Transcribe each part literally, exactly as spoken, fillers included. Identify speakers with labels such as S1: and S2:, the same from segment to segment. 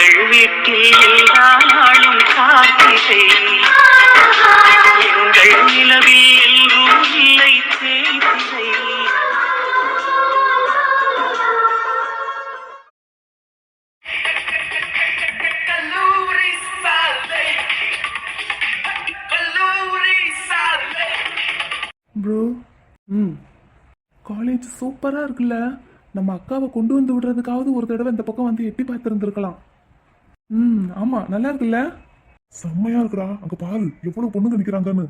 S1: எங்கள் வீட்டில் எல்லா நாளும் காத்திரை, எங்கள் நிலவில் எல்லோரும் இல்லை தேய்திரை.
S2: ப்ரோ, ம் காலேஜ் சூப்பராக இருக்குல்ல. நம்ம அக்காவை கொண்டு வந்து விடுறதுக்காவது ஒரு தடவை இந்த பக்கம் வந்து எட்டி பார்த்துருந்துருக்கலாம். ம் ஆமாம், நல்லா இருக்குல்ல. செம்மையா இருக்குடா. அங்கே பாரு எவ்வளோ பொண்ணுங்க நிற்கிறாங்கன்னு.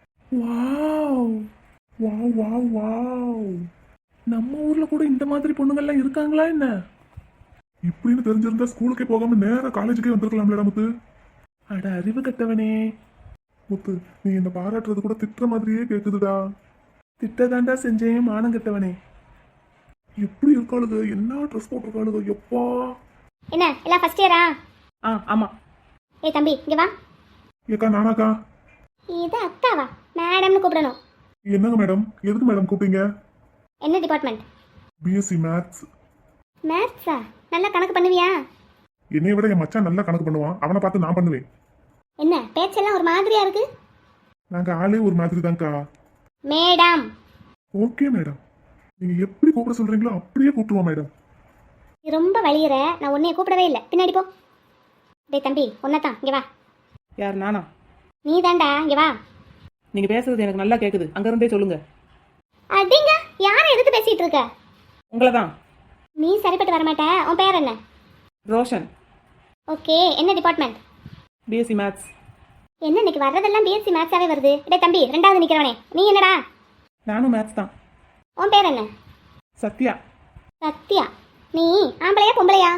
S2: Wow wow wow wow. நம்ம ஊரில் கூட இந்த மாதிரி பொண்ணுங்கள்லாம் இருக்காங்களா என்ன? இப்படின்னு தெரிஞ்சிருந்தா ஸ்கூலுக்கே போகாம நேராக காலேஜுக்கே வந்திருக்கலாம்லடா முத்து. அட அறிவு கட்டவனே. முத்து, நீ என்ன பாராட்டுறது கூட திட்டுற மாதிரியே கேக்குதுடா. திட்டதாண்டா செஞ்சேன் மானம் கட்டவனே. எப்படி இருக்காளுங்க, என்ன ட்ரெஸ் போட்டிருக்காளுங்க எப்பா.
S3: என்ன எல்லாம் ஃபர்ஸ்ட் இயரா?
S2: ஆ ஆமா.
S3: ஏய் தம்பி இங்க வா.
S2: ஏக்கா நானாக்கா?
S3: இது அக்காவா? மேடம்னு கூப்பிடணும்.
S2: என்னங்க மேடம், எதுக்கு மேடம் கூப்பிட்டீங்க?
S3: என்ன டிபார்ட்மெண்ட்?
S2: BSc maths.
S3: மேத்ஸா? நல்லா கணக்கு பண்ணுவியா?
S2: என்னைய விட என் மச்சான் நல்லா கணக்கு பண்ணுவான், அவனை பார்த்து நான் பண்ணுவேன்.
S3: என்ன பேச்செல்லாம் ஒரு மாதிரியா இருக்கு?
S2: நாங்க ஆளே ஒரு மாதிரி தான்க்கா.
S3: மேடம்.
S2: ஓகே மேடம், நீங்க எப்படி கூப்பிட சொல்றீங்களோ அப்படியே கூப்பிடுவோம் மேடம்.
S3: நீ ரொம்ப வலியுற, நான் உன்னைய கூப்பிடவே இல்லை. பின்னாடி போ. டேய் தம்பி ஒன்னதான், இங்க வா.
S4: யார் நானா?
S3: நீ தாண்டா, இங்க வா.
S4: நீங்க பேசுறது எனக்கு நல்லா கேக்குது, அங்க இருந்தே சொல்லுங்க.
S3: அடிங்க, யாரை எதுக்கு பேசிட்டு இருக்க?
S4: உங்களை தான்.
S3: நீ சரிப்பட்டு வரமாட்ட. உன் பேர் என்ன?
S4: ரோஷன்.
S3: ஓகே, என்ன டிபார்ட்மெண்ட்?
S4: BSc maths.
S3: என்ன இன்னைக்கு வர்றதெல்லாம் பிஎஸ்சி மேத்ஸாவே வருது. டேய் தம்பி ரெண்டாவது நிக்கிறவனே, நீ என்னடா?
S4: நானும் மேத்ஸ் தான்.
S3: உன் பேர் என்ன?
S4: சத்யா.
S3: சத்யா. நீ ஆம்பளையா பொம்பளையா?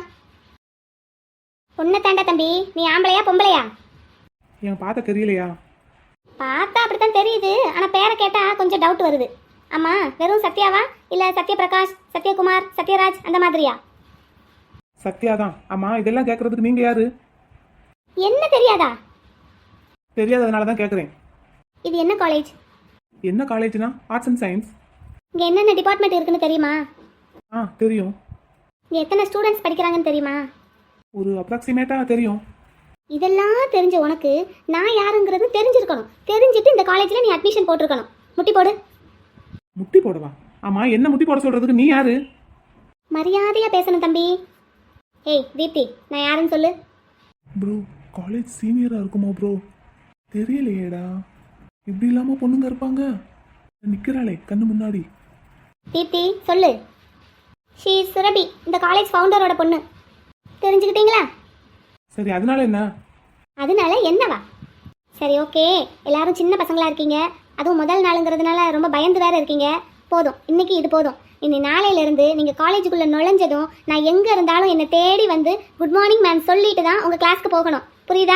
S3: பொண்ணை தாண்டா தம்பி. நீ ஆம்பளையா பொம்பளையா?
S4: என் பார்த்த தெரியலையா?
S3: பார்த்தா அப்படித்தான் தெரியுது, ஆனா பேரை கேட்டா கொஞ்சம் டவுட் வருது. ஆமா, வெறும் சத்யாவா இல்ல சத்யபிரகாஷ், சத்யகுமார், சத்யராஜ் அந்த மாதிரியா?
S4: சத்யா தான். ஆமா, இதெல்லாம் கேட்கறதுக்கு நீங்க யாரு?
S3: என்ன தெரியாதா?
S4: தெரியாததுனால தான் கேட்குறேன்.
S3: இது என்ன காலேஜ்?
S4: என்ன காலேஜ்னா ஆர்ட்ஸ் அண்ட் சயின்ஸ்.
S3: இங்க என்னென்ன டிபார்ட்மெண்ட் இருக்குன்னு தெரியுமா?
S4: ஆ தெரியும்.
S3: இங்க எத்தனை ஸ்டூடெண்ட்ஸ் படிக்கிறாங்கன்னு தெரியுமா?
S4: ஒரு அப்ராக்சிமேட்டாக தெரியும்.
S3: இதெல்லாம் தெரிஞ்ச உனக்கு நான் யாருங்கிறது தெரிஞ்சிருக்கணும். தெரிஞ்சிட்டு இந்த காலேஜில் நீ அட்மிஷன் போட்டிருக்கணும். முட்டி போடு.
S4: முட்டி போடவா? ஆமா, என்ன முட்டி போட சொல்றதுக்கு நீ யாரு?
S3: மரியாதையா பேசணும் தம்பி. ஏய் தீப்தி, நான் யாருன்னு சொல்லு.
S2: ப்ரோ, காலேஜ் சீனியரா இருக்குமா ப்ரோ? தெரியலையேடா. இப்படி இல்லாம பொண்ணுங்க இருப்பாங்க. நிக்கிறாளே கண்ணு முன்னாடி.
S3: தீப்தி சொல்லு. ஷீ சுரபி, இந்த காலேஜ் ஃபவுண்டரோட பொண்ணு. தெரிஞ்சுக்கிட்டீங்களா?
S4: சரி, அதனால என்ன?
S3: அதனால என்னவா? சரி ஓகே, எல்லாரும் சின்ன பசங்களா இருக்கீங்க, அதுவும் முதல் நாளுங்கிறதுனால ரொம்ப பயந்து வேற இருக்கீங்க. போதும், இன்னைக்கு இது போதும். இனி நாளையிலேருந்து நீங்கள் காலேஜுக்குள்ளே நுழைஞ்சதும் நான் எங்கே இருந்தாலும் என்னை தேடி வந்து குட் மார்னிங் மேம் சொல்லிட்டு தான் உங்கள் கிளாஸ்க்கு போகணும். புரியுதா?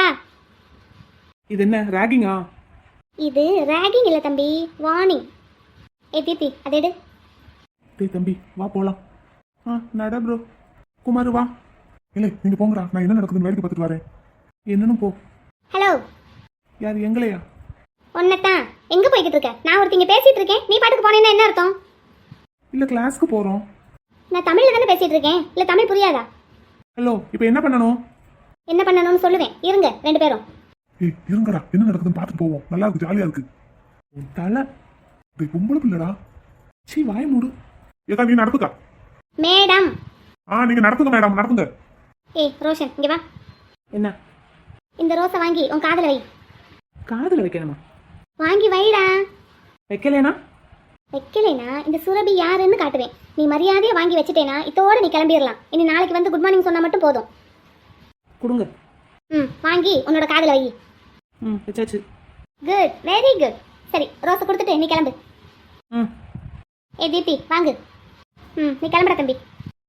S4: இது என்ன ராகிங்கா?
S3: இது ராகிங் இல்லை தம்பி, வார்னிங். ஏ தீப்தி அதை எடு.
S2: டேய் தம்பி வா போலாம். ஆ நட ப்ரோ. குமார் வா. இல்லை நீங்கள் போங்கடா, நான் என்ன நடக்குதுன்னு வேடிக்கை பார்த்துட்டு வரேன். என்னன்னு போ.
S3: ஹலோ.
S2: யார், எங்களையா?
S3: ஒன்னத்தான். எங்கே போய்கிட்டு இருக்க? நான் ஒருத்தங்க பேசிகிட்டு இருக்கேன், நீ பாட்டுக்கு போனேன்னா என்ன அர்த்தம்?
S2: இல்லை கிளாஸ்க்கு போகிறோம்.
S3: நான் தமிழில் தானே பேசிகிட்டு இருக்கேன், இல்லை தமிழ் புரியாதா?
S2: ஹலோ, இப்போ என்ன பண்ணணும்?
S3: என்ன பண்ணணும்னு சொல்லுவேன், இருங்க ரெண்டு பேரும்.
S2: ஏய் இருங்கடா, என்ன நடக்குதுன்னு பார்த்துட்டு போவோம். நல்லா இருக்கு, ஜாலியாக இருக்கு. உன் தலை. டேய் பொம்பளை பிள்ளடா. சீ வாய மூடு. ஏக்கா நீ நடத்துக்கா.
S3: மேடம்.
S2: ஆ நீங்க நடத்துங்க மேடம், நடத்துங்க.
S3: ஏய் ரோஷன் இங்கே வா.
S4: என்ன?
S3: இந்த ரோஸை வாங்கி உன் காதில் வை.
S4: காதில் வைக்கணுமா?
S3: வாங்கி வைடா.
S4: வைக்கலேனா?
S3: வைக்கலைனா இந்த சுரபி யாருன்னு காட்டுவேன். நீ மரியாதையை வாங்கி வச்சுட்டேனா இதோட நீ கிளம்பிடலாம். இனி நாளைக்கு வந்து குட் மார்னிங் சொன்னால் மட்டும் போதும்.
S4: கொடுங்க.
S3: ம் வாங்கி உன்னோட காதில் வை.
S4: ம் வச்சாச்சு.
S3: Good, very good. சரி ரோஸை கொடுத்துட்டு நீ கிளம்பு.
S4: ம்.
S3: ஏ தீப்தி வாங்கு. ம் நீ கிளம்புற தம்பி.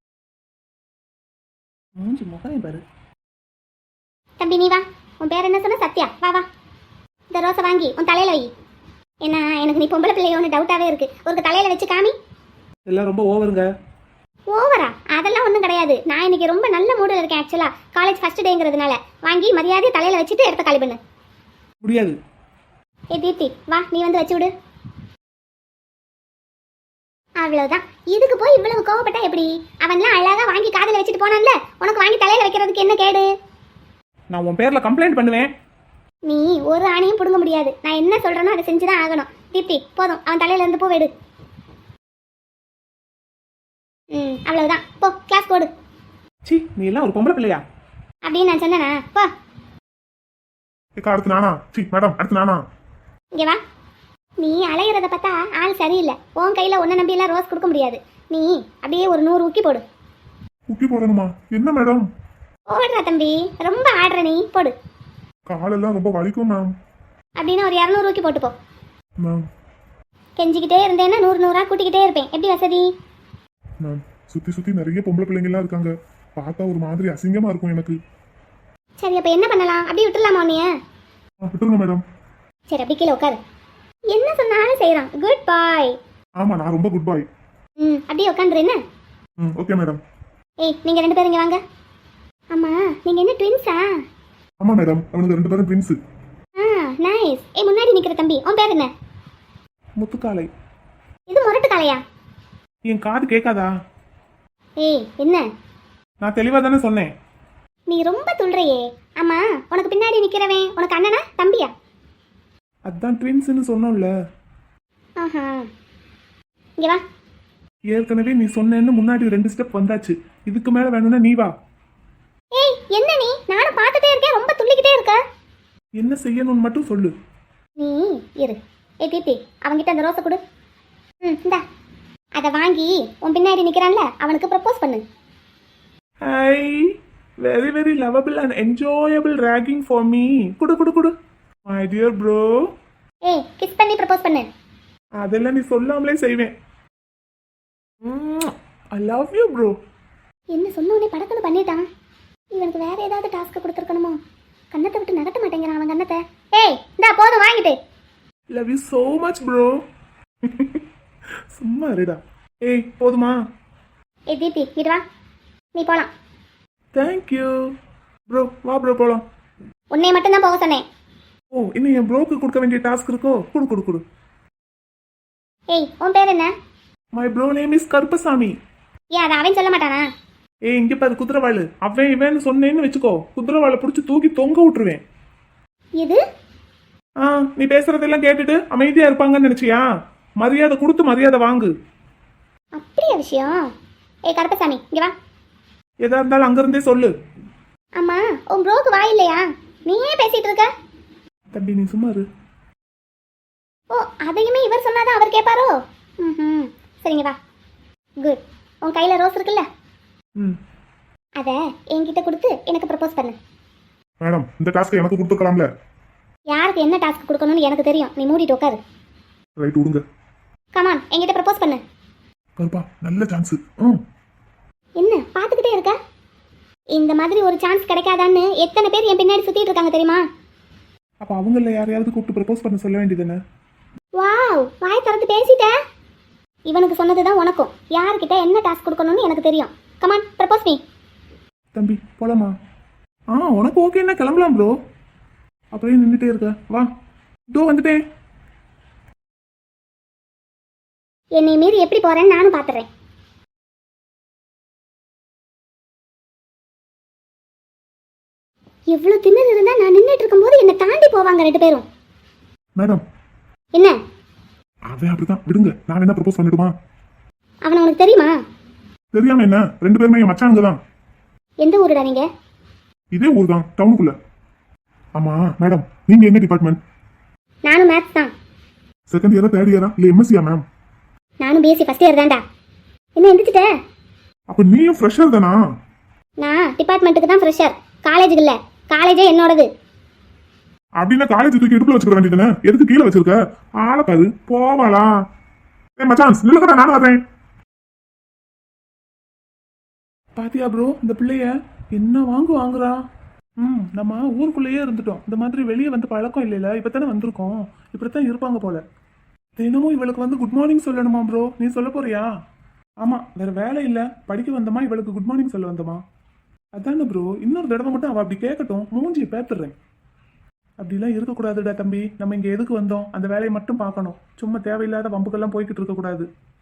S4: மூஞ்சி முகமே பாரு.
S3: தம்பி நீ வா. உன் பேர் என்ன சொன்ன? சத்யா. வா வா. இந்த ரோஸை வாங்கி உன் தலையில் வை. ஏன்னா எனக்கு நீ பொம்பளை பிள்ளையோன்னு டவுட்டாகவே இருக்குது. ஒரு தலையில் வச்சு காமி.
S4: எல்லாம் ரொம்ப ஓவருங்க.
S3: ஓவரா? அதெல்லாம் ஒன்றும் கிடையாது. நான் இன்னைக்கு ரொம்ப நல்ல மூடில் இருக்கேன். ஆக்சுவலாக காலேஜ் ஃபஸ்ட் டேங்கிறதுனால வாங்கி மரியாதையை தலையில் வச்சுட்டு இடத்த காலி பண்ணு.
S4: முடியாது.
S3: ஏ தீப்தி வா, நீ வந்து வச்சு விடு. அவ்வளவுதான். இதுக்கு போய் இவ்வளவு கோவப்பட்டா எப்படி? அவன்லாம் அழகா வாங்கி காதுல வச்சுட்டு போனான்ல, உனக்கு வாங்கி தலையில வைக்கிறதுக்கு என்ன கேடு?
S4: நான் உன் பேர்ல கம்ப்ளைண்ட் பண்ணுவேன்.
S3: நீ ஒரு ஆணையும் புடுங்க முடியாது. நான் என்ன சொல்றேனோ அதை செஞ்சுதான் ஆகணும். தீப்தி போதும், அவன் தலையில இருந்து பூ வெடு. ம் அவ்வளவுதான், போ கிளாஸ் போடு.
S4: சி, நீ எல்லாம் ஒரு பொம்பளை பிள்ளையா?
S3: அப்படின்னு நான் சொன்னேனா? போ
S2: ஏக்கா அடுத்து நானா? சி மேடம் அடுத்து நானா?
S3: இங்க வா. நீ அலையிறத பார்த்தா ஆள் சரியில்லை. உன் கையில ஒன்ன நம்பி எல்லாம் ரோஸ் கொடுக்க முடியாது. நீ அப்படியே ஒரு நூறு ஊக்கி போடு.
S2: குக்கி போடணுமா? என்ன மேடம்?
S3: ஓடுறா தம்பி, ரொம்ப ஆடுற நீ, போடு.
S2: காலெல்லாம் ரொம்ப வலிக்கும் மேம்.
S3: அப்படின்னு ஒரு இரநூறு ஊக்கி போட்டு போ.
S2: மேம்
S3: கெஞ்சிக்கிட்டே இருந்தேன்னா நூறு நூறா கூட்டிக்கிட்டே இருப்பேன். எப்படி வசதி?
S2: மேம் சுத்தி சுத்தி நிறைய பொம்பளை பிள்ளைங்க எல்லாம் இருக்காங்க. பார்த்தா ஒரு மாதிரி அசிங்கமா இருக்கும் எனக்கு.
S3: சரி அப்ப என்ன பண்ணலாம்? அப்படியே விட்டுலாமா உன்னைய?
S2: ஆ, விட்டுருங்க மேடம்.
S3: சரி அப்படி கீழே உட்காரு. என்ன சொன்னாலும் செய்யறான். Good bye.
S2: ஆமா நான் ரொம்ப குட் பாய்.
S3: ம் அப்படியே உட்காந்துரு என்ன.
S2: ம் ஓகே மேடம்.
S3: ஏய் நீங்க ரெண்டு பேரும் இங்க வாங்க. அம்மா நீங்க என்ன ட்வின்ஸா?
S2: ஆமா மேடம், அவனுக்கு ரெண்டு பேரும் ட்வின்ஸ்.
S3: ஆ நைஸ். ஏய் முன்னாடி நிக்கிற தம்பி, உன் பேர் என்ன?
S4: முத்துக்காலை.
S3: இது முரட்டு காளையா?
S4: என் காது கேட்காதா?
S3: ஏய் என்ன?
S4: நான் தெளிவா தானே சொன்னேன்.
S3: நீ ரொம்ப துள்றையே. அம்மா உனக்கு பின்னாடி நிக்கிறவன் உனக்கு அண்ணனா தம்பியா?
S4: அதான் ட்வின்ஸ்னு சொன்னோம்ல.
S3: ஆஹா இங்க வா.
S4: ஏற்கனவே நீ சொன்னேன்னு முன்னாடி ரெண்டு ஸ்டெப் வந்தாச்சு. இதுக்கு மேல வேணும்னா நீ வா.
S3: ஏய் என்ன நீ? நானும் பார்த்துட்டே இருக்கேன், ரொம்ப துள்ளிக்கிட்டே இருக்க.
S4: என்ன செய்யணும்னு மட்டும் சொல்லு.
S3: நீ இரு. ஏய் தீப்தி அவன்கிட்ட அந்த ரோஸை கொடு. ம் இந்தா. அதை வாங்கி உன் பின்னாடி நிக்கிறான்ல அவனுக்கு ப்ரப்போஸ் பண்ணு.
S4: Hi, very very lovable and enjoyable ragging for me. குடு குடு குடு மை டியர் ப்ரோ.
S3: ஏய் கிஸ் பண்ணி ப்ரப்போஸ் பண்ணு.
S4: அதெல்லாம் நீ சொல்லாமலே செய்வேன். I love you bro.
S3: என்ன சொன்ன உடனே படக்குன்னு பண்ணிட்டான். இவனுக்கு வேற ஏதாவது டாஸ்க் கொடுத்துருக்கணுமோ? கண்ணத்தை விட்டு நகட்ட மாட்டேங்கிறான் அவன் கண்ணத்தை. ஏய் இந்தா போதும் வாங்கிட்டு.
S4: Love you so much bro. சும்மா இருடா. ஏய் போதுமா?
S3: ஏய் தீப்தி இடு வா, நீ போலாம்.
S4: Thank you bro. வா ப்ரோ போலாம்.
S3: உன்னை மட்டும்தான் போக சொன்னேன்.
S4: ஓ இன்னும் என் ப்ரோக்கு கொடுக்க வேண்டிய டாஸ்க் இருக்கோ? குடு குடு குடு.
S3: ஏய் உன் பேர் என்ன?
S4: My bro name is Karuppasamy.
S3: ஏன் அதை அவன் சொல்ல மாட்டானா?
S4: ஏய் இங்க பாரு குதிரவாளு. அவன் இவன் சொன்னேன்னு வச்சுக்கோ, குதிரவாளை பிடிச்சி தூக்கி தொங்க விட்டுருவேன்.
S3: இது
S4: ஆ நீ பேசுறதெல்லாம் கேட்டுட்டு அமைதியா இருப்பாங்கன்னு நினைச்சியா? மரியாதை கொடுத்து மரியாதை வாங்கு.
S3: அப்படியா விஷயம்? ஏய் கருப்பசாமி இங்க வா.
S4: எதா இருந்தாலும் அங்கிருந்தே சொல்லு.
S3: அம்மா உன் ப்ரோக்கு வாய் இல்லையா? நீ ஏன் பேசிட்டு இருக்க?
S4: தம்பி நீ சும்மா இரு.
S3: ஓ அதையுமே இவர் சொன்னாதான் அவர் கேட்பாரோ? ம் சரிங்க வா. குட். உன் கையில் ரோஸ் இருக்குல்ல,
S4: ம்
S3: அதை என்கிட்ட கொடுத்து எனக்கு ப்ரப்போஸ் பண்ணு.
S2: மேடம் இந்த டாஸ்க்கை எனக்கு கொடுத்துக்கலாம்ல?
S3: யாருக்கு என்ன டாஸ்க் கொடுக்கணும்னு எனக்கு தெரியும். நீ மூடிட்டு உட்காரு.
S2: ரைட் விடுங்க.
S3: கமான் என்கிட்ட ப்ரப்போஸ் பண்ணு.
S2: கருப்பா நல்ல சான்ஸ். ம்
S3: என்ன பார்த்துக்கிட்டே இருக்க? இந்த மாதிரி ஒரு சான்ஸ் கிடைக்காதான்னு எத்தனை பேர் என் பின்னாடி சுத்திட்டு இருக்காங்க தெரியுமா?
S4: அப்ப அவங்கள யாரையாவது கூப்பிட்டு ப்ரப்போஸ் பண்ண சொல்ல வேண்டியதுன்னு.
S3: வாவ் வாய் திறந்து பேசிட்ட. இவனுக்கு சொன்னதுதான் உனக்கும். யார்கிட்ட என்ன டாஸ்க் கொடுக்கணும்னு எனக்கு தெரியும். Come on propose me.
S4: தம்பி போலாமா? ஆ உனக்கு ஓகேன்னா கிளம்பலாம் ப்ரோ. அப்படியே நின்றுட்டே இருக்க. வா இதோ வந்துட்டேன்.
S3: என்னை மீறி எப்படி போறேன்னு நானும் பாத்துறேன். எவ்வளவு திமிர் இருந்தா நான் நின்றுட்டு இருக்கும்போது என்னை தாண்டி போவாங்க ரெண்டு பேரும்.
S2: மேடம்
S3: என்ன?
S2: அவன் அப்படிதான் விடுங்க. நான் என்ன ப்ரப்போஸ் பண்ணிடுமா?
S3: அவனை உனக்கு தெரியுமா?
S2: தெரியாம என்ன, ரெண்டு பேருமே என் மச்சானுங்க தான்.
S3: எந்த ஊருடா நீங்க?
S2: இதே ஊர் தான், டவுனுக்குள்ள. ஆமா மேடம் நீங்க என்ன டிபார்ட்மெண்ட்?
S3: நானும் மேத்ஸ் தான்.
S2: செகண்ட் இயரா தேர்ட் இயரா இல்ல எம்எஸ்சியா மேம்?
S3: நானும் பிஎஸ்சி ஃபர்ஸ்ட் இயர் தான்டா. என்ன எந்திரிச்சிட்ட?
S2: அப்ப நீயும் ஃப்ரெஷர் தானா?
S3: நான் டிபார்ட்மெண்ட்டுக்கு தான் ஃப்ரெஷர், காலேஜுக்கு இல்ல. காலேஜே என்னோடது.
S2: அப்படின்னா காலேஜ் தூக்கி இடுப்புல வச்சுக்க வேண்டியதுன்னு எதுக்கு கீழே வச்சிருக்க? ஆளப்பாது போவாளா? ஏ மச்சான் நில்லுங்கடா, நானும் வரேன்.
S4: பாத்தியா ப்ரோ இந்த பிள்ளைய என்ன வாங்கு வாங்குறா. ம் நம்ம ஊருக்குள்ளேயே இருந்துட்டோம். இந்த மாதிரி வெளியே வந்து பழக்கம் இல்லைல்ல, இப்பதானே வந்திருக்கோம். இப்படித்தான் இருப்பாங்க போல. தினமும் இவளுக்கு வந்து குட் மார்னிங் சொல்லணுமா ப்ரோ? நீ சொல்ல போறியா? ஆமா வேற வேலை இல்ல, படிக்க வந்தமா இவளுக்கு குட் மார்னிங் சொல்ல வந்தமா. அதானே ப்ரோ, இன்னொரு தடவை மட்டும் அவ அப்படி கேட்கட்டும், மூஞ்சியை பேத்துறேன். அப்படிலாம் இருக்கக்கூடாதுடா தம்பி. நம்ம இங்க எதுக்கு வந்தோம்? அந்த வேலையை மட்டும் பார்க்கணும். சும்மா தேவையில்லாத வம்புக்கெல்லாம் போய்கிட்டு இருக்கக்கூடாது.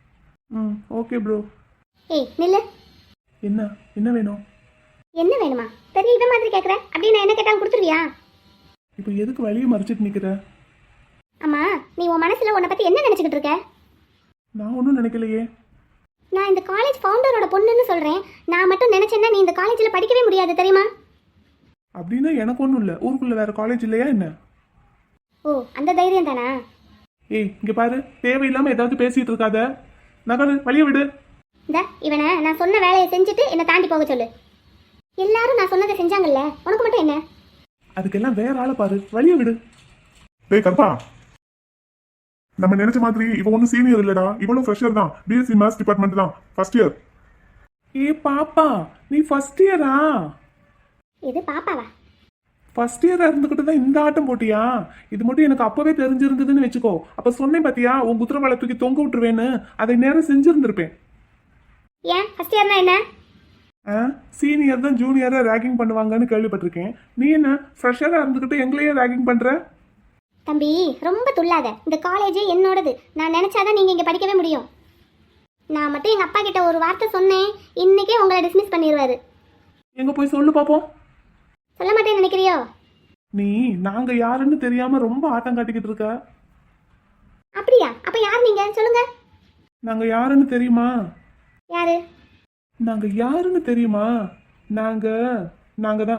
S4: ம் ஓகே ப்ரோ.
S3: ஏய் நில்லு.
S4: என்ன என்ன வேணும்?
S3: என்ன வேணுமா? பெரிய இவ மாதிரி கேட்குற. அப்படி நான் என்ன கேட்டாலும் கொடுத்துருவியா?
S4: இப்போ எதுக்கு வழியை மறைச்சிட்டு நிற்கிற?
S3: அம்மா நீ உன் மனசுல உன்னை பத்தி என்ன நினைச்சுக்கிட்டு இருக்க?
S4: நான் ஒன்றும் நினைக்கலையே.
S3: நான் இந்த காலேஜ் ஃபவுண்டரோட பொண்ணுன்னு சொல்றேன். நான் மட்டும் நினைச்சேன்னா நீ இந்த காலேஜில் படிக்கவே முடியாது தெரியுமா?
S4: அப்படின்னா எனக்கு ஒன்றும் இல்லை. ஊருக்குள்ளே வேறு காலேஜ் இல்லையா என்ன?
S3: ஓ அந்த தைரியம் தானா?
S4: ஏய் இங்கே பாரு, தேவையில்லாமல் ஏதாவது பேசிகிட்டு இருக்காத. நகரு, வழியை விடு.
S3: இந்த இவனை நான் சொன்ன வேலையை செஞ்சுட்டு என்னை தாண்டி போக சொல்லு. எல்லாரும் நான் சொன்னதை செஞ்சாங்கல்ல, உனக்கு மட்டும் என்ன?
S4: அதுக்கெல்லாம் வேற ஆளை பாரு, வழியை விடு.
S5: டேய் கற்பா, நம்ம நினைச்ச மாதிரி இவ ஒன்றும் சீனியர் இல்லடா, இவளும் ஃப்ரெஷர் தான். பிஎஸ்சி மேத்ஸ் டிபார்ட்மெண்ட் தான், ஃபர்ஸ்ட் இயர்.
S4: ஏ பாப்பா, நீ ஃபர்ஸ்ட் இயரா?
S3: இது பாப்பாவா?
S4: ஃபர்ஸ்ட் இயரா இருந்துகிட்டு தான் இந்த ஆட்டம் போட்டியா? இது மட்டும் எனக்கு அப்பவே தெரிஞ்சிருந்ததுன்னு வச்சுக்கோ. அப்ப சொன்னேன் பாத்தியா, உன் குதிரவாளை தூக்கி தொங்க விட்டுருவேன்னு, அதை நேரம் செஞ்சிருந்திருப்பேன்.
S3: ஏன் ஃபர்ஸ்ட் இயர்னா என்ன?
S4: சீனியர் தான் ஜூனியரா ரேகிங் பண்ணுவாங்கன்னு கேள்விப்பட்டிருக்கேன். நீ என்ன ஃப்ரெஷரா இருந்துகிட்டு எங்களையே ரேகிங் பண்ற?
S3: தம்பி ரொம்ப துள்ளாத. இந்த காலேஜே என்னோடது. நான் நினைச்சாதான் நீங்க இங்க படிக்கவே முடியும். நான் மட்டும் எங்க அப்பா கிட்ட ஒரு வார்த்தை சொன்னேன், இன்னைக்கே உங்களை டிஸ்மிஸ் பண்ணிடுவாரு.
S4: எங்க போய் சொல்லு பாப்போம்.
S3: சொல்ல மாட்டேன்னு நினைக்கிறியோ?
S4: நீ நாங்க யாருன்னு தெரியாம ரொம்ப ஆட்டம் காட்டிக்கிட்டு இருக்க.
S3: அப்படியா? அப்ப யார் நீங்க சொல்லுங்க.
S4: நாங்க யாருன்னு தெரியுமா?
S3: யாரு?
S4: நாங்க யாருன்னு தெரியுமா? நாங்க நாங்க தான்.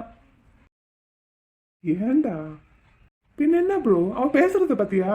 S4: ஏண்டா பின்ன என்ன ப்ரோ, அவ பேசுறத பத்தியா?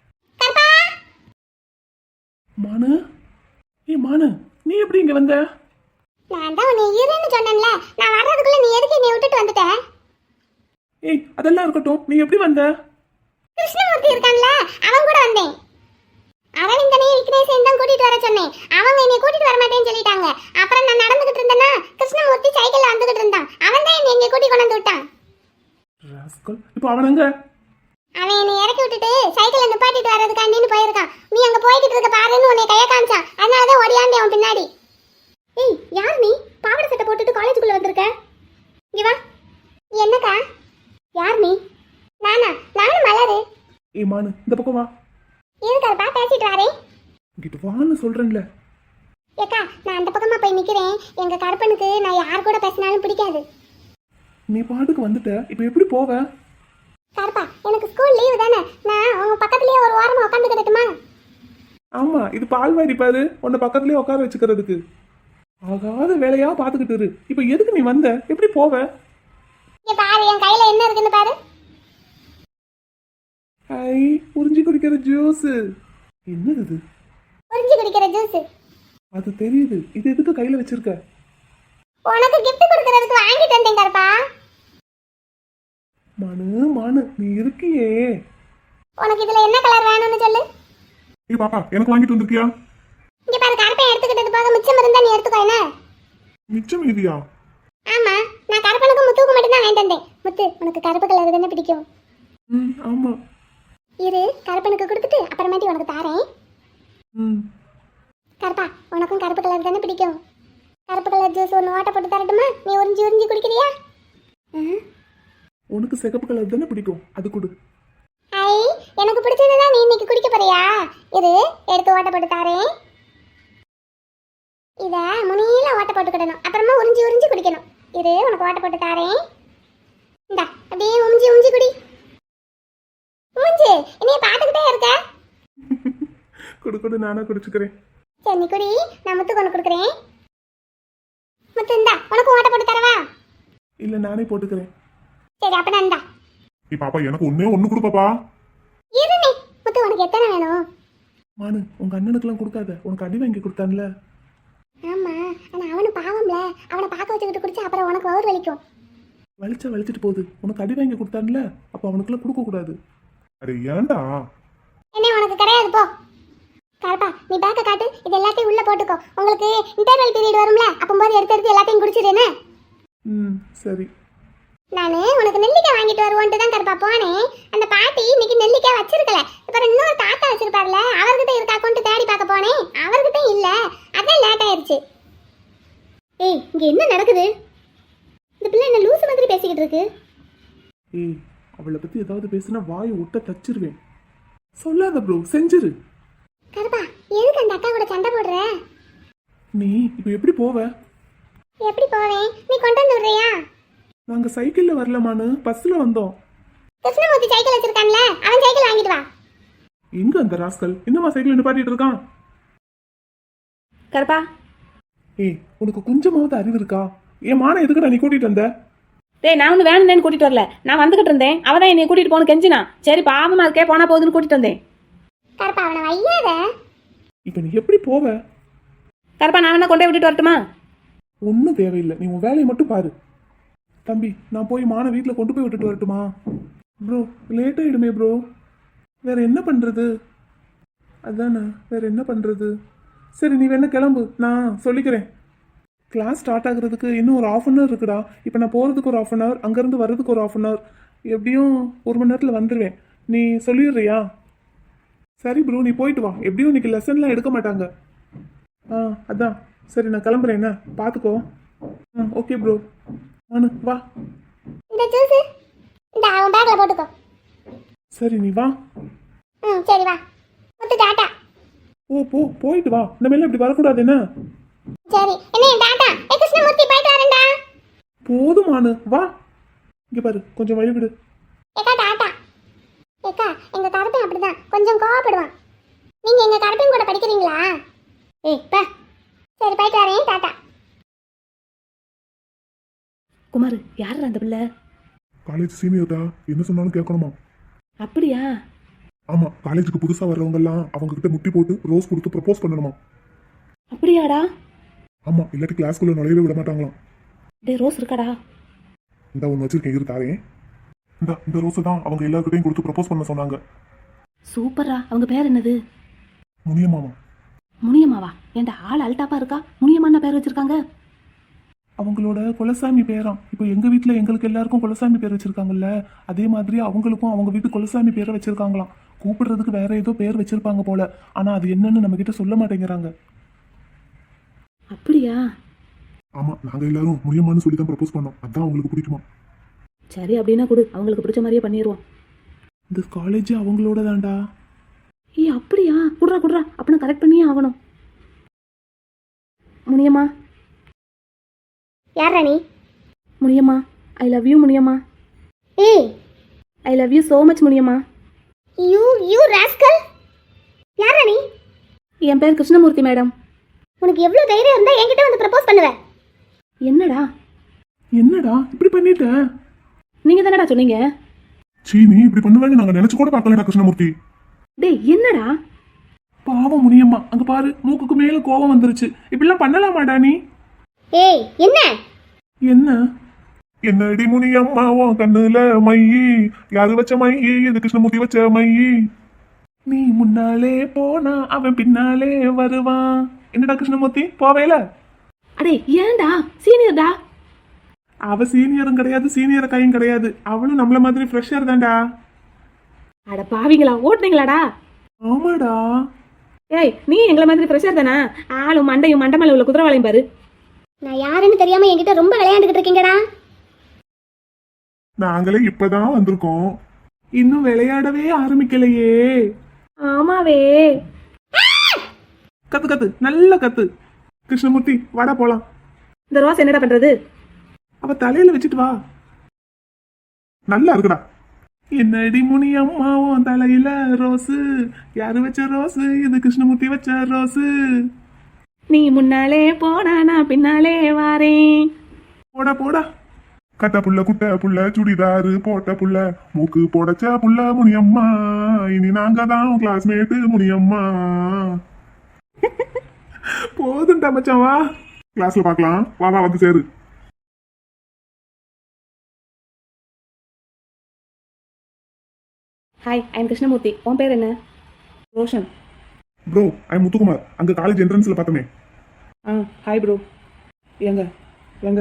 S4: மானு, ஏ மானு, நீ எப்படி இங்க வந்த?
S3: நான் தான் உன்னை இருன்னு சொன்னேன்ல, நான் வர்றதுக்குள்ள நீ எதுக்கு என்னை விட்டுட்டு வந்துட்ட?
S4: ஏய் அதெல்லாம் இருக்கட்டும், நீ எப்படி வந்த?
S3: கிருஷ்ணமூர்த்தி இருக்கான்ல, அவன் கூட வந்தேன். அரவிந்தனையும் விக்னேஷையும் தான் கூட்டிட்டு வர சொன்னேன். அவங்க என்னை கூட்டிட்டு வர மாட்டேன்னு சொல்லிட்டாங்க. அப்புறம் நான் நடந்துகிட்டு இருந்தேன்னா கிருஷ்ணமூர்த்தி சைக்கிள்ல வந்துகிட்டு இருந்தான். அவன் தான் என்னை இங்க கூட்டி கொண்டு வந்து விட்டான்.
S4: ராஸ்கல், இப்போ அவன் எங்க?
S3: அவன் என்னை இறக்கி விட்டுட்டு சைக்கிளை நிப்பாட்டிட்டு வர்றதுக்காண்டின்னு போயிருக்கான். நீ அங்க போய்கிட்டு இருக்க பாருன்னு உன்னை கைய காமிச்சான். அதனாலதான் ஓடியாண்டே அவன் பின்னாடி. ஏய் யார் நீ? பாவாடை சட்டை போட்டுட்டு காலேஜுக்குள்ள வந்திருக்க? இங்க வா. என்னக்கா? யார் நீ? நானா? நானும் மலரு.
S4: ஏய் மானு, இந்த பக்கம் வா.
S3: இருக்கறப்பா பேசிட்டு வரேன்.
S4: இங்கிட்டு வான்னு சொல்றேன்ல.
S3: ஏக்கா நான் அந்த பக்கமா போய் நிக்கிறேன். எங்க கருப்பனுக்கு நான் யார் கூட பேசினாலும் பிடிக்காது.
S4: நீ பாட்டுக்கு வந்துட்ட, இப்போ எப்படி போவ?
S3: கருப்பா எனக்கு ஸ்கூல் லீவு தானே, நான் உங்க பக்கத்துலயே ஒரு வாரமா உட்காந்துக்கிட்டுமா?
S4: ஆமா, இது பால்வாடி பாரு, உன்னை பக்கத்துலயே உட்கார வச்சுக்கிறதுக்கு. ஆகாத வேலையா பாத்துக்கிட்டு இரு. இப்போ எதுக்கு நீ வந்த? எப்படி போவ?
S3: இங்க பாரு, என் கையில என்ன இருக்குன்னு பாரு.
S4: ஐ, உறிஞ்சி குடிக்கிற ஜூஸ். என்னது இது?
S3: உறிஞ்சி குடிக்கிற ஜூஸ்.
S4: அது தெரியுது. இது எதுக்கு கையில வச்சிருக்க?
S3: உனக்கு கிஃப்ட் கொடுக்கறதுக்கு வாங்கிட்டு வந்தேன் கருப்பா.
S4: மனு மானு, நீ இருக்கியே.
S3: உனக்கு இதுல என்ன கலர் வேணும்னு சொல்லு.
S5: ஏய் பாப்பா, எனக்கு வாங்கிட்டு வந்திருக்கியா?
S3: இங்க பாரு, கருப்பை எடுத்துக்கிட்டது போக மிச்சம் இருந்தா நீ எடுத்துக்கோ. என்ன
S5: மிச்சம் இதுயா?
S3: ஆமா, நான் கருப்பனுக்கு முத்துக்கு மட்டும் தான் வாங்கிட்டு வந்தேன். முத்து உனக்கு கருப்பு கலர் தானே பிடிக்கும்?
S4: ம் ஆமா.
S3: இரு கருப்பனுக்கு கொடுத்துட்டு அப்புறமேட்டி உனக்கு தாரேன்.
S4: ம்
S3: கருப்பா உனக்கும் கருப்பு கலர் தானே பிடிக்கும். கருப்பு கலர் ஜூஸ் ஒன்று ஓட்ட போட்டு தரட்டுமா? நீ உறிஞ்சி உறிஞ்சி குடிக்கிறியா?
S4: உனக்கு சிகப்பு கலர் தானே பிடிக்கும், அது கொடு.
S3: ஐ எனக்கு பிடிச்சதுதான் நீ இன்னைக்கு குடிக்க போறியா? இரு எடுத்து ஓட்ட போட்டு தாரேன். இத முனியில ஓட்ட போட்டுக்கிடணும், அப்புறமா உறிஞ்சி உறிஞ்சி குடிக்கணும். இரு உனக்கு ஓட்ட போட்டு தாரேன். இந்தா அப்படியே உறிஞ்சி உறிஞ்சி குடி. உறிஞ்சி என்னைய பார்த்துக்கிட்டே இருக்க.
S4: கொடு கொடு, நானே குடிச்சுக்கிறேன்.
S3: சரி நீ குடி, நான் முத்து கொண்டு கொடுக்குறேன். முத்து இந்தா உனக்கு ஓட்ட போட்டு தரவா?
S4: இல்ல நானே போட்டுக்கிறேன்.
S3: சரி அப்ப நான் இந்தா.
S5: ஏய் பாப்பா, எனக்கு ஒன்னே ஒண்ணு கொடு பாப்பா.
S3: இருனே முத்து உனக்கு எத்தனை வேணும்?
S4: மானு, உங்க அண்ணனுக்குலாம் கொடுக்காத, உனக்கு அடி வாங்கி கொடுத்தான்ல.
S3: ஆமா ஆனா அவனு பாவம்ல, அவனை பார்க்க வச்சுக்கிட்டு குடிச்சா அப்புறம் உனக்கு வயிறு வலிக்கும்.
S4: வலிச்சா வலிச்சிட்டு போகுது, உனக்கு அடி வாங்கி கொடுத்தான்ல, அப்போ அவனுக்குலாம் கொடுக்க கூடாது.
S5: அடே ஏன்டா?
S3: என்ன உனக்கு கிடையாது போ. கருப்பா நீ பேக்க காட்டு, இது எல்லாத்தையும் உள்ள போட்டுக்கோ. உங்களுக்கு இன்டர்வல் பீரியட் வரும்ல, அப்போது எடுத்து எடுத்து எல்லாத்தையும் குடிச்சிடுறேன்னு.
S4: ம் சரி.
S3: நான் உனக்கு நெல்லிக்காய் வாங்கிட்டு வருவோன்ட்டு தான் கருப்பா போனேன். அந்த பாட்டி இன்னைக்கு நெல்லிக்காய் வச்சிருக்கல. அப்புறம் இன்னொரு தாத்தா வச்சிருப்பார்ல, அவர்கிட்ட இருக்கா கொண்டு தேடி பார்க்க போனேன். அவர்கிட்ட இல்ல, அதான் லேட் ஆயிருச்சு. ஏய் இங்க என்ன நடக்குது? இந்த பிள்ளை என்ன லூசு மாதிரி பேசிக்கிட்டு இருக்கு. கருப்பா எதுக்கு அந்த அக்கா கூட சண்டை போடுற?
S2: நீ இப்போ எப்படி போவ?
S3: எப்படி போவேன்? நீ கொண்டு வந்து விடுறியா?
S2: நாங்க சைக்கிள்ல வரலமானு பஸ்ல வந்தோம்.
S3: கிருஷ்ணமூர்த்தி சைக்கிள் வச்சிருக்கான்ல, அவன் சைக்கிள் வாங்கிட்டு வா.
S2: எங்க அந்த ராஸ்கல் இன்னமா சைக்கிள் நிப்பாட்டிட்டு இருக்கான்?
S6: கருப்பா,
S2: ஏய் உனக்கு கொஞ்சமாவது அறிவு இருக்கா? என் மான எதுக்குடா நீ கூட்டிட்டு வந்த?
S6: டேய் நான் ஒன்று வேணும்னு கூட்டிட்டு வரல, நான் வந்துகிட்டு இருந்தேன். அவன் தான் என்னை கூட்டிட்டு போகணும் கெஞ்சினா. சரி பாவமா இருக்கே, போனா போகுதுன்னு கூட்டிட்டு வந்தேன்.
S3: கருப்பா அவனை வையாத.
S2: இப்போ நீ எப்படி போவ?
S6: கருப்பா நான் வேணா கொண்டே விட்டுட்டு வரட்டுமா?
S2: ஒன்றும் தேவையில்லை, நீ உன் வேலையை மட்டும் பாரு. தம்பி நான் போய் மான வீட்டில் கொண்டு போய் விட்டுட்டு வரட்டுமா? ப்ரோ லேட் ஆயிடுமே ப்ரோ. வேற என்ன பண்றது? அதானே வேற என்ன பண்றது? சரி நீ வேணா கிளம்பு, நான் சொல்லிக்கிறேன். கிளாஸ் ஸ்டார்ட் ஆகுறதுக்கு இன்னும் ஒரு ஆஃப் அன் ஹவர் இருக்குடா. இப்போ நான் போகிறதுக்கு ஒரு ஆஃப் அன் ஹவர், அங்கேருந்து வர்றதுக்கு ஒரு ஆஃப் அன் ஹவர், எப்படியும் ஒரு மணி நேரத்தில் வந்துடுவேன். நீ சொல்லிடுறியா? சரி ப்ரோ நீ போயிட்டு வா, எப்படியும் இன்னைக்கு லெசன்லாம் எடுக்க மாட்டாங்க. ஆ அதான் சரி நான் கிளம்புறேன், என்ன பார்த்துக்கோ. ம் ஓகே ப்ரோ. ஆனு வா.
S3: இந்த ஜூஸ் இந்த அவன் பேக்ல போட்டுக்கோ.
S2: சரி நீ வா.
S3: ம் சரி வா. முத்து டாடா.
S2: ஓ போ போயிட்டு வா, இந்த மேலே இப்படி வரக்கூடாது என்ன?
S3: சரி என்ன டாடா. ஏ கிருஷ்ணமூர்த்தி போயிட்டு வரேன்டா.
S2: போதுமானு வா. இங்கே பாரு கொஞ்சம் வழி விடு.
S3: ஏக்கா டாடா. ஏக்கா எங்க கருப்பன் அப்படிதான் கொஞ்சம் கோவப்படுவான். நீங்க எங்க கருப்பன் கூட படிக்கிறீங்களா? ஏய் பா. சரி போயிட்டு வரேன் டாடா.
S6: குமார் யார் அந்த பிள்ளை?
S5: காலேஜ் சீனியர்டா, என்ன சொன்னாலும் கேட்கணுமா?
S6: அப்படியா?
S5: ஆமா, காலேஜுக்கு புதுசா வர்றவங்க எல்லாம் அவங்க கிட்ட முட்டி போட்டு ரோஸ் கொடுத்து ப்ரப்போஸ் பண்ணணுமா?
S6: அப்படியாடா?
S5: ஆமா, இல்லாட்டி கிளாஸ்க்குள்ள நுழையவே விட மாட்டாங்களாம்.
S6: டே ரோஸ் இருக்காடா?
S5: இந்த ஒன்று வச்சிருக்கேன், இரு தாரேன். இந்த இந்த ரோஸை தான் அவங்க எல்லாருக்கிட்டையும் கொடுத்து ப்ரப்போஸ் பண்ண சொன்னாங்க.
S6: சூப்பரா. அவங்க பேர் என்னது?
S5: முனியமாமா.
S6: முனியம்மாவா? ஏன்டா ஆள் அல்டாப்பா இருக்கா, முனியம்மான்னு பேர் வச்சிருக்காங்க?
S2: அவங்களோட குலசாமி பேராம். இப்போ எங்கள் வீட்டில் எங்களுக்கு எல்லாருக்கும் குலசாமி பேர் வச்சுருக்காங்கல்ல, அதே மாதிரி அவங்களுக்கும் அவங்க வீட்டு குலசாமி பேரை வச்சுருக்காங்களாம். கூப்பிடுறதுக்கு வேற ஏதோ பேர் வச்சுருப்பாங்க போல, ஆனால் அது என்னன்னு நம்மக்கிட்ட சொல்ல மாட்டேங்கிறாங்க.
S6: அப்படியா?
S5: ஆமா, நாங்க எல்லாரும் முனியம்மான்னு சொல்லி தான் ப்ரப்போஸ் பண்ணோம். அதான் அவங்களுக்கு பிடிக்குமா?
S6: சரி அப்படின்னா கொடு, அவங்களுக்கு பிடிச்ச மாதிரியே பண்ணிடுவோம்.
S2: இந்த காலேஜ் அவங்களோட தான்டா.
S6: ஏய் அப்படியா? குடுறா குடுறா, அப்படின்னா கரெக்ட் பண்ணியே ஆகணும். முனியம்மா.
S3: யார் Rani?
S6: Muniyamma I love you Muniyamma.
S3: ஏய்
S6: I love you so much Muniyamma.
S3: You you rascal. யார் ராணி?
S6: என் பேர் கிருஷ்ணமூர்த்தி மேடம்.
S3: உனக்கு எவ்வளவு தைரியம் இருந்தா என்கிட்ட வந்து ப்ரப்போஸ் பண்ணுவ?
S6: என்னடா
S2: என்னடா இப்படி பண்ணிட்ட?
S6: நீங்க தானடா சொன்னீங்க.
S5: சீ, நீ இப்படி பண்ணுவேன்னு நாங்க நினைச்சு கூட பார்க்கலடா கிருஷ்ணமூர்த்தி.
S6: டேய் என்னடா?
S2: பாவம் முனியம்மா, அங்க பாரு மூக்குக்கு மேல கோவம் வந்துருச்சு. இப்படிலாம் பண்ணலாமாடா நீ?
S3: ஏய் என்ன?
S2: என்ன
S5: என்னடி முனியம்மா உன் கண்ணுல மையி, யாரு வச்ச மையி? இது கிருஷ்ணமூர்த்தி வச்ச மையி.
S2: நீ முன்னாலே போனா அவன் பின்னாலே வருவான். என்னடா கிருஷ்ணமூர்த்தி போவேல?
S6: அடே ஏன்டா? சீனியர்டா.
S2: அவ சீனியரும் கிடையாது, சீனியர் கையும் கிடையாது. அவளும் நம்மள மாதிரி ஃப்ரெஷர் தான்டா.
S6: அட பாவிங்களா, ஓட்டுனீங்களாடா?
S2: ஆமாடா.
S6: ஏய் நீ எங்களை மாதிரி ஃப்ரெஷர் தானே? ஆளும் மண்டையும் மண்டமலை உள்ள குதிரவாளையும் பாரு.
S3: நான் யாருன்னு தெரியாம என்கிட்ட ரொம்ப விளையாண்டுகிட்டு இருக்கீங்கடா.
S5: நாங்களே இப்பதான் வந்திருக்கோம்.
S2: இன்னும் விளையாடவே ஆரம்பிக்கலையே.
S6: ஆமாவே.
S2: கத்து கத்து நல்ல கத்து. கிருஷ்ணமூர்த்தி வாடா போலாம்.
S6: இந்த ரோஸ் என்னடா பண்றது?
S2: அவ தலையில வச்சுட்டு வா.
S5: நல்லா இருக்குடா.
S2: என்னடி முனியம்மா உன் தலையில ரோஸு, யாரு வச்ச ரோஸு? இது கிருஷ்ணமூர்த்தி வச்ச ரோஸு.
S6: நீ முன்னாலே போனா நான் பின்னாலே வாரேன்.
S2: போடா போடா.
S5: கட்ட புள்ள குட்ட புள்ள சுடிதாரு போட்ட புள்ள மூக்கு போடச்ச புள்ள முனியம்மா, இனி நாங்க தான் கிளாஸ்மேட்டு முனியம்மா.
S2: போதும்டா மச்சான் வா.
S5: கிளாஸ்ல பார்க்கலாம், வா வா வந்து சேரு.
S6: Hi I am Krishnamurthy. உன் பேர் என்ன? ரோஷன்.
S5: Bro I Muthukumar. அங்க காலேஜ் என்ட்ரன்ஸ்ல பார்த்தமே.
S2: ஆ ஹாய் ப்ரோ. எங்க எங்க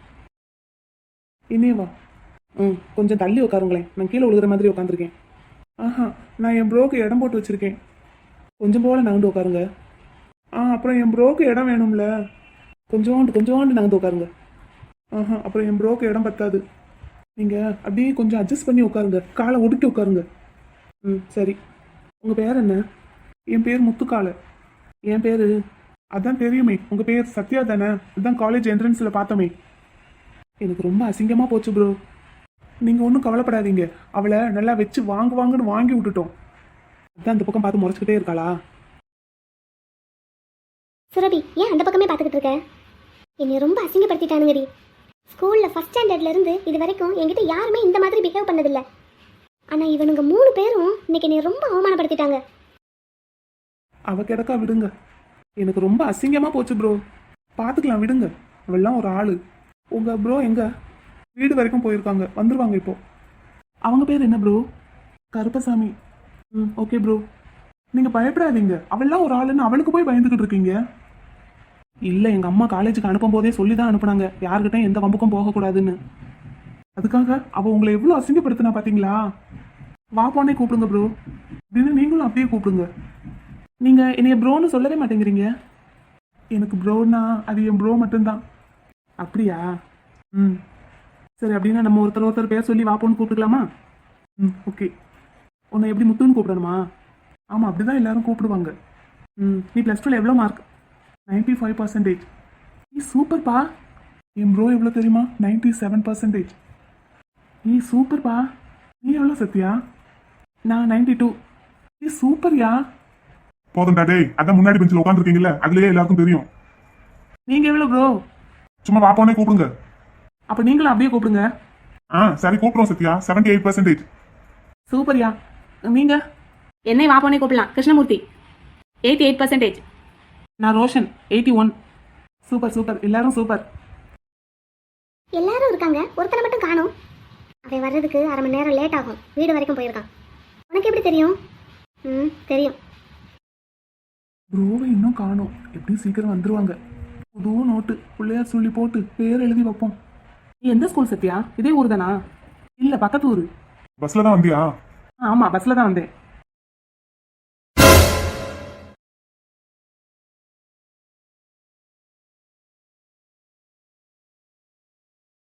S2: இனியே வா. ம் கொஞ்சம் தள்ளி உட்காருங்களேன், நான் கீழே விழுகிற மாதிரி உட்காந்துருக்கேன். ஆஹா நான் என் ப்ரோக்கு இடம் போட்டு வச்சுருக்கேன், கொஞ்சம் போல் நகண்டு உட்காருங்க. ஆ அப்புறம் என் ப்ரோக்கு இடம் வேணும்ல, கொஞ்சோண்டு கொஞ்சோண்டு நகர்ந்து உட்காருங்க. ஆஹா அப்புறம் என் ப்ரோக்கு இடம் பத்தாது, நீங்கள் அப்படியே கொஞ்சம் அட்ஜஸ்ட் பண்ணி உட்காருங்க, காலை ஒடுக்கி உட்காருங்க. ம் சரி. உங்கள் பேர் என்ன?
S4: என் பேர் முத்துக்காலு. என் பேரு அதான் தெரியுமே, உங்க பேர் சத்யா தானே? அதான் காலேஜ் என்ட்ரன்ஸ்ல பார்த்தோமே. எனக்கு ரொம்ப அசிங்கமா போச்சு ப்ரோ. நீங்க ஒன்றும் கவலைப்படாதீங்க, அவளை நல்லா வச்சு வாங்கு வாங்குன்னு வாங்கி விட்டுட்டோம். அதான் அந்த பக்கம் பார்த்து முறைச்சிக்கிட்டே இருக்காளா?
S3: சுரபி, ஏன் அந்த பக்கமே பார்த்துக்கிட்டு இருக்க? என்னை ரொம்ப அசிங்கப்படுத்திட்டானுங்கடி. ஸ்கூலில் ஃபஸ்ட் ஸ்டாண்டர்ட்லேருந்து இது வரைக்கும் என்கிட்ட யாருமே இந்த மாதிரி பிஹேவ் பண்ணதில்லை. ஆனால் இவனுங்க மூணு பேரும் இன்னைக்கு என்னை ரொம்ப அவமானப்படுத்திட்டாங்க.
S4: அவ கிடக்கா, விடுங்க. எனக்கு ரொம்ப அசிங்கமா போச்சு ப்ரோ. பார்த்துக்கலாம், விடுங்க. அவெல்லாம் ஒரு ஆளு. உங்க ப்ரோ எங்க? வீடு வரைக்கும் போயிருக்காங்க, வந்துருவாங்க இப்போ. அவங்க பேர் என்ன ப்ரோ? கருப்பசாமி. ம், ஓகே ப்ரோ. நீங்க பயப்படாதீங்க, அவெல்லாம் ஒரு ஆளுன்னு அவளுக்கு போய் பயந்துக்கிட்டு இருக்கீங்க. இல்லை, எங்க அம்மா காலேஜுக்கு அனுப்பும் போதே சொல்லி தான் அனுப்புனாங்க, யாருக்கிட்டையும் எந்த வம்புக்கும் போகக்கூடாதுன்னு. அதுக்காக அவ உங்களை எவ்வளோ அசிங்கப்படுத்தினா பார்த்தீங்களா? வா போனே கூப்பிடுங்க ப்ரோ. தினம் நீங்களும் அப்படியே கூப்பிடுங்க. நீங்க என்னைய ப்ரோன்னு சொல்லவே மாட்டேங்கிறீங்க. எனக்கு ப்ரோனா அது என் ப்ரோ மட்டும்தான். அப்படியா? ம், சரி. அப்படின்னா நம்ம ஒருத்தர் ஒருத்தர் பேர் சொல்லி வாப்போன்னு கூப்பிட்டுக்கலாமா? ம், ஓகே. உன்னை எப்படி முத்துன்னு கூப்பிடணுமா? ஆமாம், அப்படி தான் எல்லாரும் கூப்பிடுவாங்க. ம், நீ ப்ளஸ் டூவில் எவ்வளோ மார்க்? Ninety five percentage. நீ சூப்பர்ப்பா. என் ப்ரோ எவ்வளோ தெரியுமா? Ninety seven percentage. நீ சூப்பர்ப்பா. நீ எவ்வளோ சத்யா? நான் நைன்டி டூ. நீ சூப்பர்யா.
S5: போதும்டா டேய், அதான் முன்னாடி பெஞ்சில் உட்காந்துருக்கீங்கல்ல, அதுலயே எல்லாருக்கும் தெரியும்.
S4: நீங்கள் எவ்வளோ ப்ரோ?
S5: சும்மா வாப்போனே கூப்பிடுங்க.
S4: அப்போ நீங்களும் அப்படியே கூப்பிடுங்க.
S5: ஆ சரி, கூப்பிடுறோம் சத்யா. Seventy eight percentage.
S4: சூப்பர்யா. நீங்கள்?
S6: என்னை வாப்போனே கூப்பிடலாம். Krishnamurthy eighty eight percentage.
S4: நான் Roshan eighty one. Super super, எல்லாரும் சூப்பர்.
S3: எல்லாரும் இருக்காங்க, ஒருத்தனை மட்டும் காணும். அவன் வர்றதுக்கு அரை மணி நேரம் லேட் ஆகும். வீடு வரைக்கும் போயிருக்கான். உனக்கு எப்படி தெரியும்? ம், தெரியும்.
S4: ப்ரோவை இன்னும் காணோம், எப்படியும் சீக்கிரம் வந்துருவாங்க. புது நோட்டு பிள்ளையார் சொல்லி போட்டு பேர் எழுதி வைப்போம். நீ எந்த ஸ்கூல் சத்யா? இதே ஊர் தானா? இல்லை, பக்கத்து ஊர்.
S5: பஸ்ல தான் வந்தியா?
S4: ஆமாம், பஸ்ஸில் தான் வந்தேன்.